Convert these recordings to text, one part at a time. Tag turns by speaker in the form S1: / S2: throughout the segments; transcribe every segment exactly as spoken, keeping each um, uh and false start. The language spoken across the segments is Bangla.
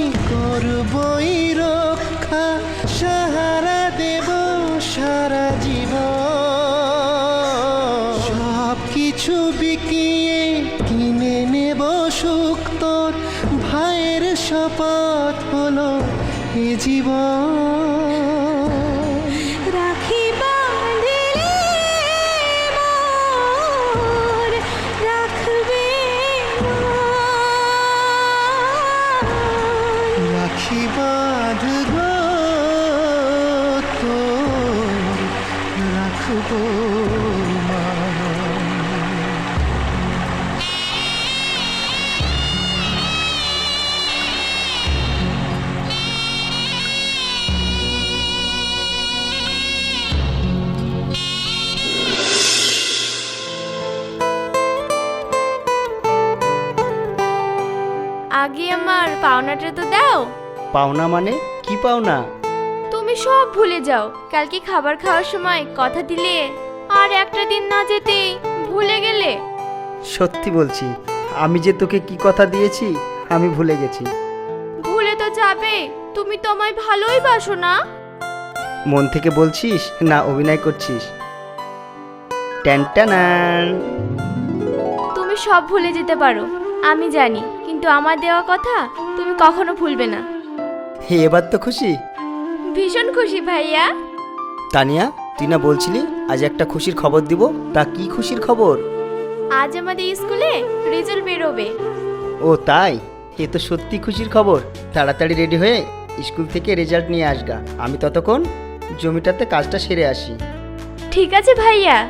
S1: করবই রক্ষা, সাহারা দেব সারা জীবন। সব কিছু বিকিয়ে কিনে নেব সুখ তোর, ভাইয়ের শপথ হলো এ জীবন।
S2: রাখি বাঁধলে মোর রাখবে
S1: রাখি বাঁধব তোর, রাখবো মান।
S2: আগে আমার পাওনাটা তো দাও।
S3: পাওনা মানে কি পাওনা?
S2: তুমি সব ভুলে যাও। কালকে খাবার খাওয়ার সময় কথা দিলে, আর একটা দিন না যেতেই ভুলে গেলে।
S3: সত্যি বলছি, আমি যে তোকে কি কথা দিয়েছি আমি ভুলে গেছি।
S2: ভুলে তো যাবে, তুমি তো আমায় ভালোই বাসো না।
S3: মন থেকে বলছিস না অভিনয় করছিস? ট্যান।
S2: তুমি সব ভুলে যেতে পারো, আমি জানি, কিন্তু আমার দেওয়া কথা তুমি কখনো ভুলবে না।
S3: হে, এবার তো খুশি?
S2: ভীষণ খুশি ভাইয়া।
S3: তানিয়া, তুই না বলছিলি আজ একটা খুশির খবর দিব? তা কি খুশির খবর?
S2: আজ আমাদের স্কুলে রেজাল্ট বেরোবে।
S3: ও তাই? এ তো সত্যি খুশির খবর। তাড়াতাড়ি রেডি হয়ে স্কুল থেকে রেজাল্ট নিয়ে আসগা, আমি ততক্ষণ জমিটাতে কাজটা সেরে আসি।
S2: ঠিক আছে ভাইয়া।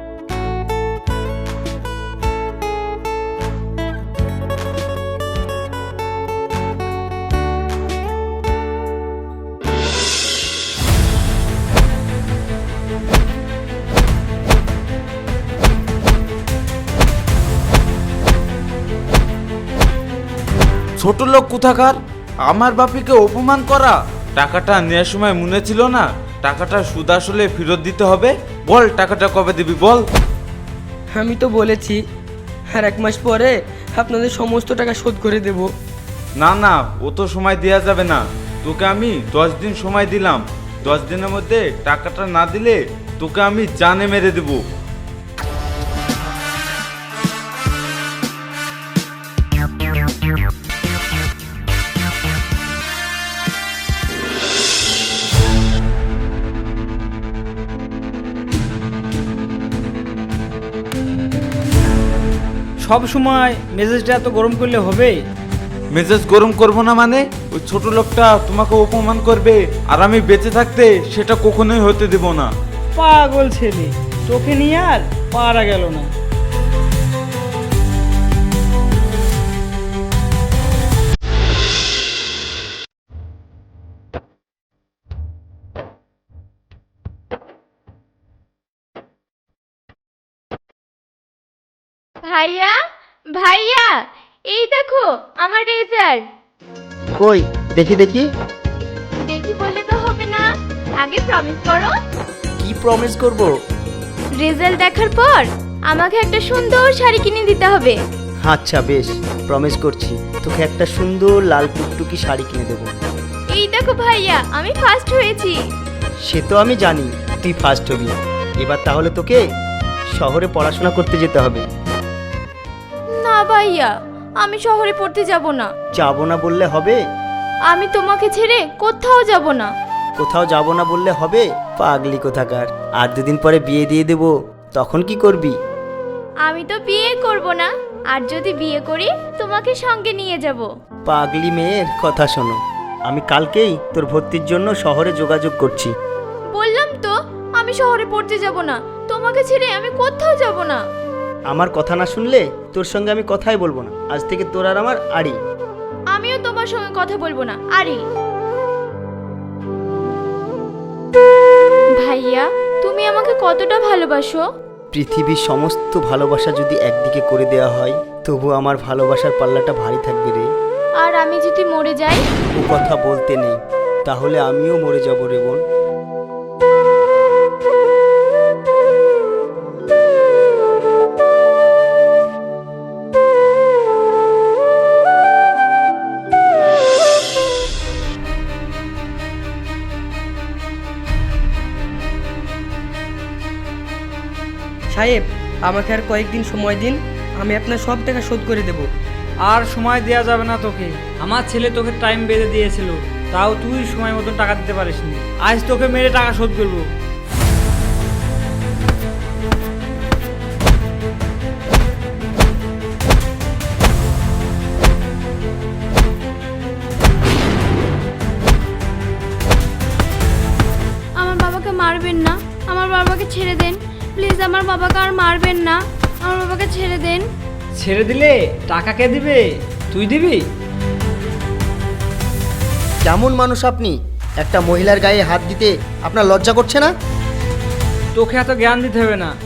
S4: ছোট লোক কোথাকার, আমার বাপিকে অপমান করা। টাকাটা নেওয়ার সময় মনে ছিল না টাকাটা সুদ আসলে ফেরত দিতে হবে? বল টাকাটা কবে দিবি বল।
S5: আমি তো বলেছি আর এক মাস পরে আপনাদের সমস্ত টাকা শোধ করে দেব।
S4: না না, ও তো সময় দেওয়া যাবে না। তোকে আমি দশ দিন সময় দিলাম, দশ দিনের মধ্যে টাকাটা না দিলে তোকে আমি জানে মেরে দেবো।
S6: সব সময় মেজাজটা এত গরম করলে হবে?
S4: মেজাজ গরম করবো না মানে? ওই ছোট লোকটা তোমাকে অপমান করবে আর আমি বেঁচে থাকতে সেটা কখনোই হতে দেব না।
S6: পাগল ছেলে, চোখে নিয়ে আর পারা গেল না।
S2: ভাইয়া ভাইয়া, এই দেখো আমার রেজাল্ট।
S3: কই দেখি দেখি।
S2: দেখি বললে তো হবে না, আগে প্রমিস করো।
S3: কি প্রমিস করব?
S2: রেজাল্ট দেখার পর আমাকে একটা সুন্দর শাড়ি কিনে দিতে হবে।
S3: আচ্ছা বেশ, প্রমিস করছি তোকে একটা সুন্দর লাল টুকটুকি শাড়ি কিনে দেবো।
S2: এই দেখো ভাইয়া, আমি ফার্স্ট হয়েছি।
S3: সে তো আমি জানি তুই ফার্স্ট হবি। এবার তাহলে তোকে শহরে পড়াশোনা করতে যেতে হবে।
S2: না ভাইয়া, আমি শহরে পড়তে যাব না।
S3: যাবো না বললে হবে?
S2: আমি তোমাকে ছেড়ে কোথাও যাব না।
S3: কোথাও যাব না বললে হবে? পাগলি কোথাকার। আর দুদিন পরে বিয়ে দিয়ে দেবো, তখন কি করবি?
S2: আমি তো বিয়ে করব না, আর যদি বিয়ে করি তোমাকে সঙ্গে নিয়ে যাব।
S3: পাগলি মেয়ের কথা শোনো, আমি কালকেই তোর ভর্তির জন্য শহরে যোগাযোগ করছি।
S2: বললাম তো আমি শহরে পড়তে যাব না, তোমাকে ছেড়ে আমি কোথাও যাব না।
S3: আমার কথা না শুনলে তোর সঙ্গে আমি কথাই বলবো না। আজ থেকে তোর আর আমার আড়ি।
S2: আমিও তোমার সঙ্গে কথা বলবো না। আরে ভাইয়া, তুমি আমাকে কতটা ভালোবাসো?
S3: পৃথিবীর সমস্ত ভালোবাসা যদি একদিকে করে দেওয়া হয়, তবু আমার ভালোবাসার পাল্লাটা ভারী থাকবে রে।
S2: আর আমি যদি মরে যাই?
S3: ও কথা বলতে নেই, তাহলে আমিও মরে যাব রে বোন।
S5: সাহেব, আমাকে আর কয়েকদিন সময় দিন, আমি আপনার সব টাকা শোধ করে দেব।
S6: আর সময় দেওয়া যাবে না তোকে। আমার ছেলে তোকে টাইম বেঁধে দিয়েছিল, তাও তুই সময় মতন টাকা দিতে পারিসনি। আজ তোকে মেরে টাকা শোধ করবো।
S2: আমার বাবাকে মারবেন না, আমার বাবাকে ছেড়ে দেন প্লিজ, আমার বাবাকে আর মারবেন না, আমার বাবাকে ছেড়ে দেন।
S6: ছেড়ে দিলে টাকা কে দিবে? তুই দিবি?
S3: কেমন মানুষ আপনি? একটা মহিলার গায়ে হাত দিতে আপনার লজ্জা করছে না?
S6: তোকে এত জ্ঞান দিতে হবে না।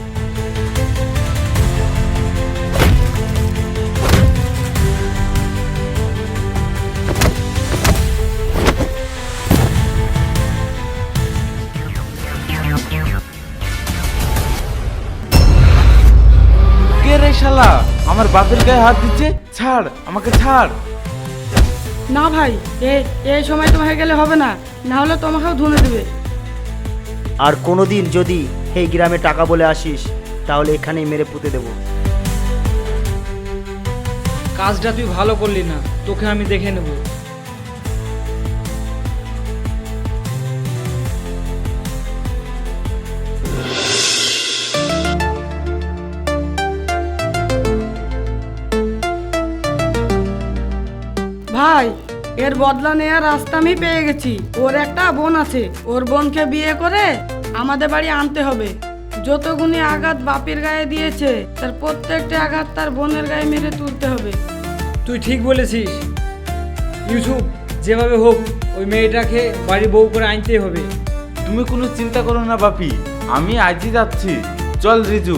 S4: কে রে শালা আমার বাপের গায়ে হাত দিচ্ছে? ছাড় আমাকে, ছাড়।
S7: না ভাই, এ এই সময় তোমাকে গেলে হবে না, না হলে তোমাকেও ধুনে দেবে।
S3: আর কোনোদিন যদি এই গ্রামে টাকা বলে আসিস তাহলে এখানেই মেরে পুঁতে দেবো।
S6: কাজটা তুই ভালো করলি না, তোকে আমি দেখে নেব।
S7: ভাই, এর বদলা নেওয়ার রাস্তা আমি পেয়ে গেছি। ওর একটা বোন আছে, ওর বোনকে বিয়ে করে আমাদের বাড়ি আনতে হবে। যতগুনি আঘাত বাপের গায়ে দিয়েছে তার প্রত্যেকটা আঘাত তার বোনের গায়ে মেরে তুলতে হবে।
S6: তুই ঠিক বলেছিস ইউসুফ, যেভাবে হোক ওই মেয়েটাকে বাড়ি বউ করে আনতেই হবে।
S4: তুমি কোনো চিন্তা করো না বাপি, আমি আজই যাচ্ছি। চল রিজু।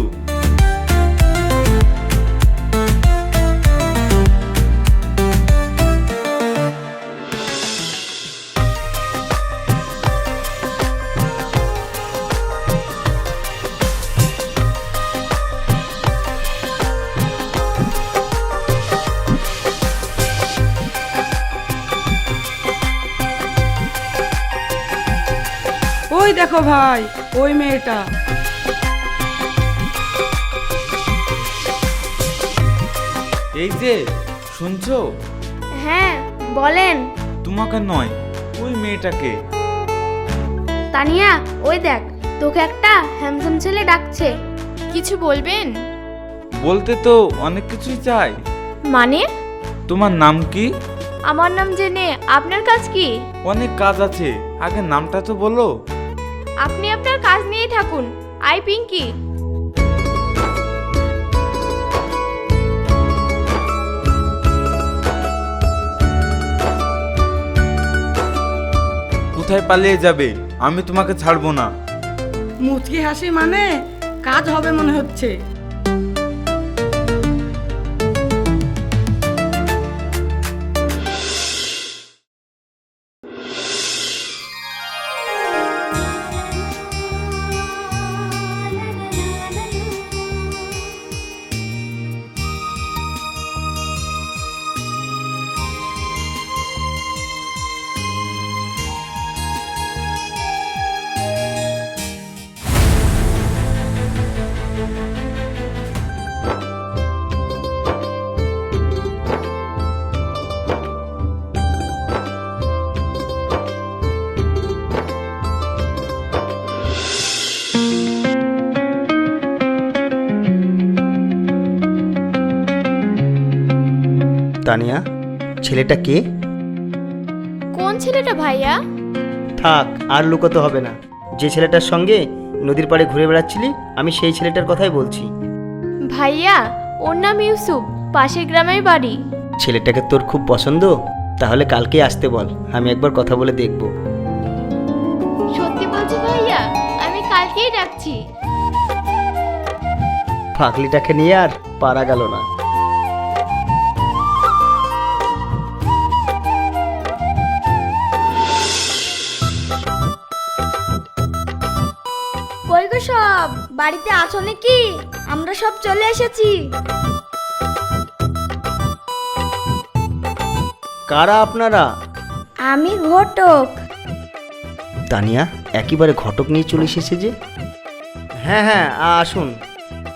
S7: ওই দেখো ভাই, ওই মেয়েটা।
S4: এই যে শুনছো?
S2: হ্যাঁ বলেন।
S4: তোমাকে নয়, ওই মেয়েটাকে।
S2: তানিয়া, ওই দেখ, তোকে একটা হ্যান্ডসাম ছেলে ডাকছে। কিছু বলবেন?
S4: বলতে তো অনেক কিছুই চাই।
S2: মানে?
S4: তোমার নাম কি?
S2: আমার নাম জেনে আপনার কাজ কি?
S4: অনেক কাজ আছে, আগে নামটা তো বলো।
S2: আপনি আপনার কাজ নিয়েই থাকুন। আই পিঙ্কি।
S4: কোথায় পালিয়ে যাবে? আমি তোমাকে ছাড়বো না।
S7: মুচকি হাসি মানে কাজ হবে মনে হচ্ছে।
S3: তানিয়া, ছেলেটা কে?
S2: কোন ছেলেটা ভাইয়া?
S3: থাক, আর লুকোতে হবে না। যে ছেলেটার সঙ্গে নদীর পাড়ে ঘুরে বেড়াচ্ছিলি, আমি সেই ছেলেটার কথাই বলছি।
S2: ভাইয়া, ওর নাম ইউসুফ, পাশের গ্রামের বাড়ি।
S3: ছেলেটাকে তোর খুব পছন্দ? তাহলে কালকে আসতে বল, আমি একবার কথা বলে দেখব।
S2: সত্যি বলছি ভাইয়া, আমি কালকেই ডাকছি।
S3: পাগলিটাকে নিয়ে আর পারা গেল না।
S2: কই গো সব, বাড়িতে আছো নাকি? আমরা সব চলে এসেছি।
S3: কারা আপনারা?
S2: আমি ঘটক।
S3: তানিয়া একেবারে ঘটক নিয়ে চলে এসেছে যে। হ্যাঁ হ্যাঁ, আ- আসুন।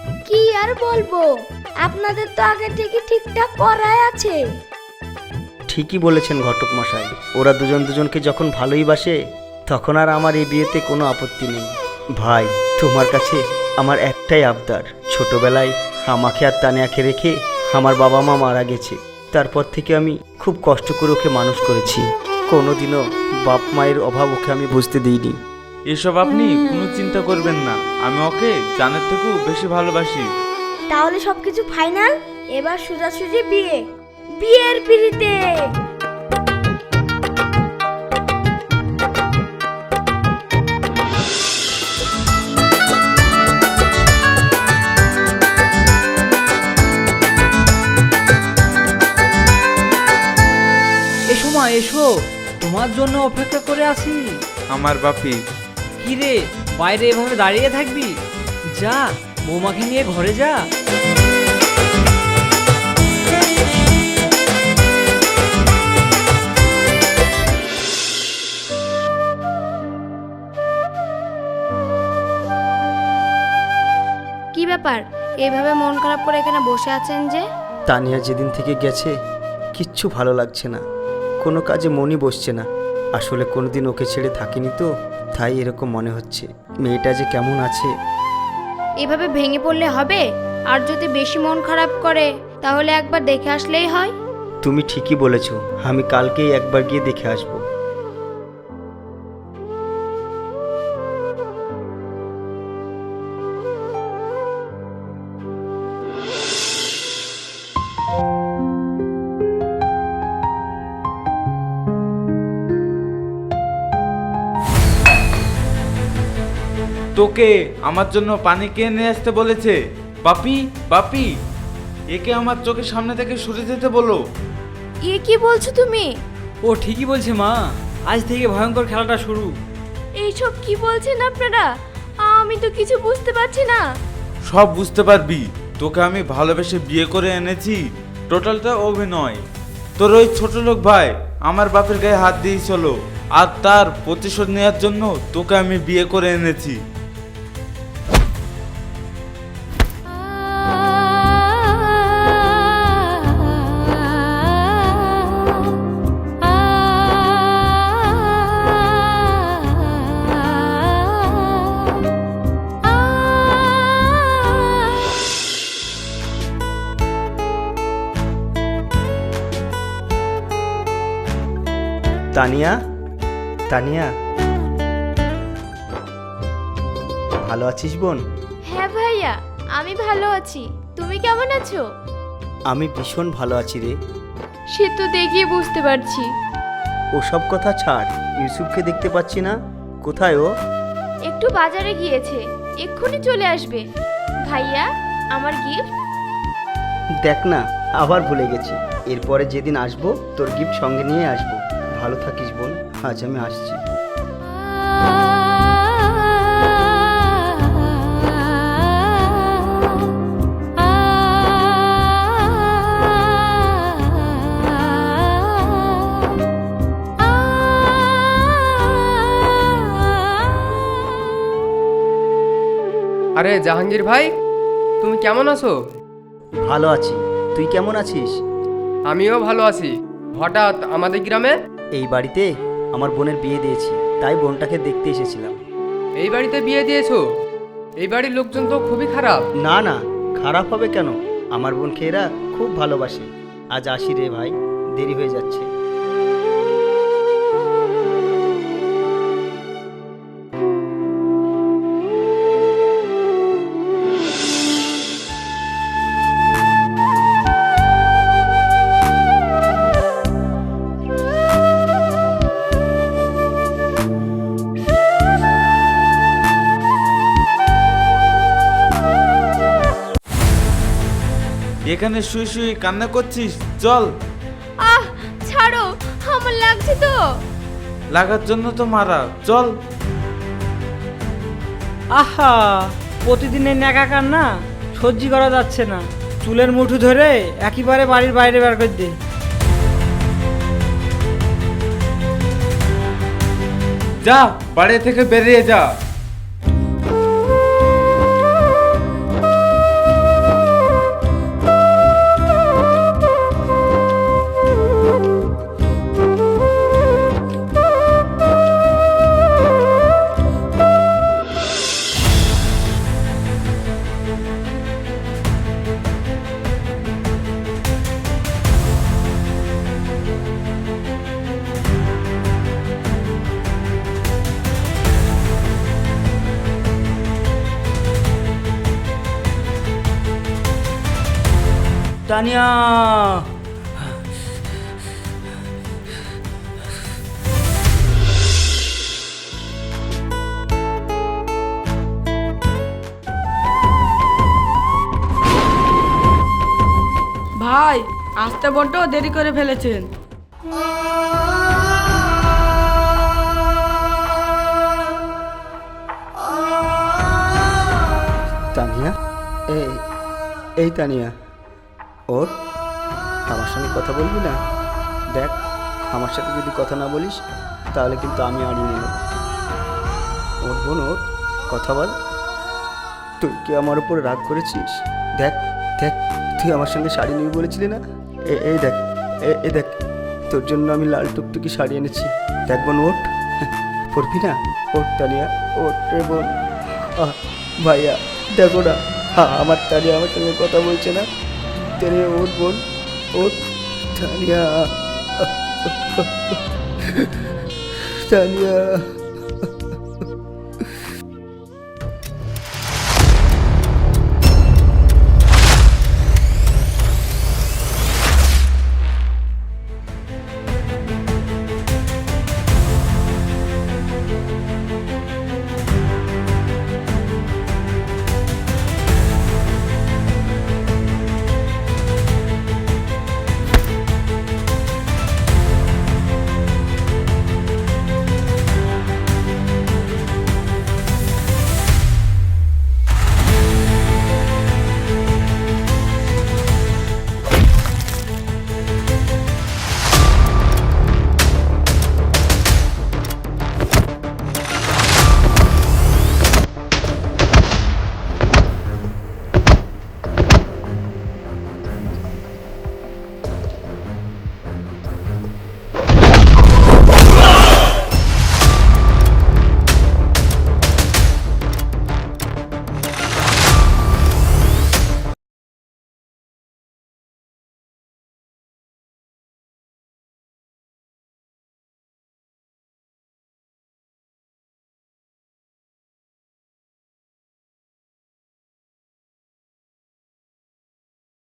S8: আর বলবো, আপনাদের তো আগে থেকে ঠিকঠাক করাই আছে।
S3: ঠিকই বলেছেন ঘটক মশাই, ওরা দুজন দুজনকে যখন ভালোই বাসে তখন আর আমার এই বিয়েতে কোনো আপত্তি নেই। ভাই, তোমার কাছে আমার একটাই আবদার, ছোটবেলায় আমাকে আর তানিয়াকে রেখে আমার বাবা মা মারা গেছে। তারপর থেকে আমি খুব কষ্ট করে ওকে মানুষ করেছি, কোনোদিনও বাপ মায়ের অভাব ওকে আমি বুঝতে দিইনি।
S4: এসব আপনি কোনো চিন্তা করবেন না, আমি ওকে জানের থেকেও বেশি ভালোবাসি।
S8: তাহলে সবকিছু ফাইনাল, এবার সোজাসুজি বিয়ে, বিয়ের পিড়িতে।
S6: এসো মা এসো, তোমার জন্য অপেক্ষা করে আছি।
S4: আমার বাপি।
S6: কি রে, বাইরে এভাবে দাঁড়িয়ে থাকবি? যা, বৌমাকে নিয়ে ঘরে যা।
S2: কি ব্যাপার, এইভাবে মন খারাপ করে এখানে বসে আছেন যে?
S3: তানিয়া যেদিন থেকে গেছে কিচ্ছু ভালো লাগছে না, কোনো কাজে মনই বসছে না। আসলে কোনোদিন ওকে ছেড়ে থাকিনি তো, তাই এরকম মনে হচ্ছে। মেয়েটা যে কেমন আছে।
S2: এভাবে ভেঙে পড়লে হবে? আর যদি বেশি মন খারাপ করে তাহলে একবার দেখে আসলেই হয়।
S3: তুমি ঠিকই বলেছ, আমি কালকেই একবার গিয়ে দেখে আসবো।
S4: তোকে আমার জন্য পানি কে নিয়ে আসতে বলেছে? বাপি, বাপি, একে আমার চোখের সামনে থেকে সরে যেতে বলো।
S2: এ কি বলছো তুমি?
S6: ও ঠিকই বলছে মা, আজ থেকে ভয়ঙ্কর খেলাটা শুরু।
S2: এইসব কি বলছেন আপনারা? আমি তো কিছু বুঝতে পারছি না।
S4: সব বুঝতে পারবি, তোকে আমি ভালোবেসে বিয়ে করে এনেছি, টোটালটা অভিনয়। তোর ওই ছোট লোক ভাই আমার বাপের গায়ে হাত দিয়েই চলো, আর তার প্রতিশোধ নেওয়ার জন্য তোকে আমি বিয়ে করে এনেছি।
S3: তানিয়া, তানিয়া, ভালো আছিস বোন?
S2: হ্যাঁ ভাইয়া, আমি ভালো আছি। তুমি কেমন আছো?
S3: আমি ভীষণ ভালো আছি রে।
S2: সে তো দেখিয়ে বুঝতে পারছি।
S3: ওসব কথা ছাড়, ইউসুফকে দেখতে পাচ্ছি না, কোথায় ও?
S2: একটু বাজারে গিয়েছে, এক্ষুনি চলে আসবে। ভাইয়া, আমার গিফট।
S3: দেখ না, আবার ভুলে গেছি। এরপরে যেদিন আসবো তোর গিফট সঙ্গে নিয়ে আসবো। ভালো থাকিস বোন, আজ আমি আসছি।
S9: আরে জাহাঙ্গীর ভাই, তুমি কেমন আছো?
S3: ভালো আছি, তুই কেমন আছিস?
S9: আমিও ভালো আছি। হঠাৎ আমাদের গ্রামে?
S3: এই বাড়িতে আমার বোনের বিয়ে দিয়েছি, তাই বোনটাকে দেখতে এসেছিলাম।
S9: এই বাড়িতে বিয়ে দিয়েছো? এই বাড়ির লোকজন তো খুবই খারাপ।
S3: না না, খারাপ হবে কেন? আমার বোনকে এরা খুব ভালোবাসে। আজ আসি রে ভাই, দেরি হয়ে যাচ্ছে।
S4: এখানে শুয়ে শুয়ে কান্না করছিস? চল।
S2: আহ, ছাড়ো, আমার লাগছে তো।
S4: লাগার জন্য তো মারা, চল।
S6: আহা, প্রতিদিনের ন্যাকা কান্না সহ্য করা যাচ্ছে না। চুলের মুঠো ধরে একেবারে বাড়ির বাইরে বের করে দে।
S4: যা, বাড়ি থেকে বেরিয়ে যা।
S6: তানিয়া।
S7: ভাই আসতে বড্ড দেরি করে ফেলেছেন।
S3: তানিয়া, এই এই তানিয়া, ওর আমার সঙ্গে কথা বলবি না? দেখ, আমার সাথে যদি কথা না বলিস তাহলে কিন্তু আমি আড়িয়ে নেব। ওর বোন, ওর কথা বল। তুই কি আমার উপর রাগ করেছিস? দেখ দেখ, তুই আমার সঙ্গে শাড়ি নিবি বলেছিলি না? এ- এই দেখ, এ- এই দেখ, তোর জন্য আমি লাল টুকটুকি শাড়ি এনেছি। দেখ বোন, ওঠ, পড়বি না? ওঠ তানিয়া, ওঠ রে বোন। আহ, ভাইয়া দেখো না, হ্যাঁ আমার তানিয়া আমার সঙ্গে কথা বলছে না। তেরে ওঠ বোন, ওঠ তানিয়া, তানিয়া।